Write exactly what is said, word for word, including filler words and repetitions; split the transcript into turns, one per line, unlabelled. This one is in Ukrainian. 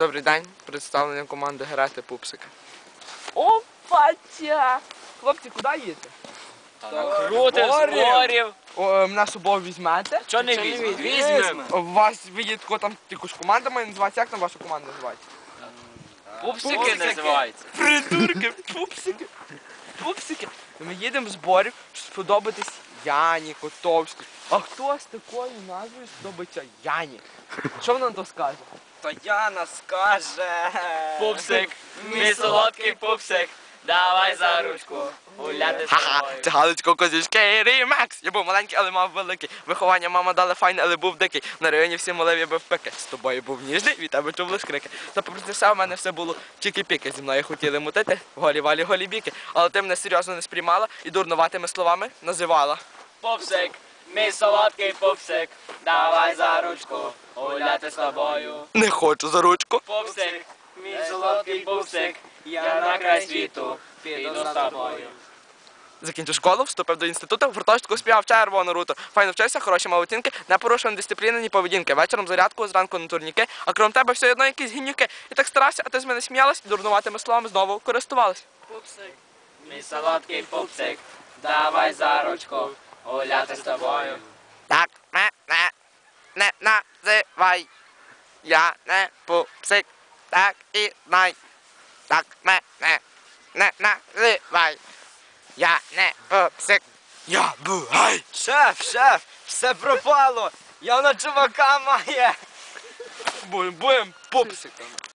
Добрий день, представлення команди Грати Пупсики.
Опача! Хлопці, куди їдете?
Крути, зборів.
О, мене з собою візьмете?
Чого не візьмемо? Візьмемо.
У вас є тако там якусь команда має називається. Як там ваша команда називається?
Пупсики називаються.
Придурки, пупсики. Пупсики. Ми їдемо в зборів, щоб сподобатись Яні Котовській. А хто з такою назвою сподобається Яні? Що вона на то скаже?
То Яна скаже.
Пупсик, мій солодкий пупсик, давай за ручку гуляти з
Ха-ха,
тобою.
це Галицько Козівський ремекс. Я був маленький, але мав великий. Виховання мама дала файне, але був дикий. На районі всі молив, я бив пики. З тобою був ніжний, від тебе чув лиш крики. Та попри все, в мене все було чики-піки. Зі мною хотіли мутити, голі-валі, голі-біки. Але ти мене серйозно не сприймала і дурнуватими словами називала.
Пупсик, мій солодкий пупсик, давай за ручку гуляти з тобою.
Не хочу за ручку.
Пупсик, мій солодкий пупсик, я на край світу піду з тобою.
Закінчив школу, вступив до інституту, в гуртожитку співав червону руту. Файно вчився, хороші мав оцінки, не порушував дисципліни, ні поведінки. Вечором зарядку, зранку на турніки, а крім тебе все одно якісь гімнюки. І так старався, а ти з мене сміялась і дурнуватими словами знову користувалась.
Пупсик, мій солодкий пупсик, давай за ручку гуляти з тобою.
Так мене не називай, я не пупсик, так і знай. Так мене не називай, я не пупсик, я бугай.
Шеф, шеф, все пропало. Яна чувака має.
Будем, будем пупсиками.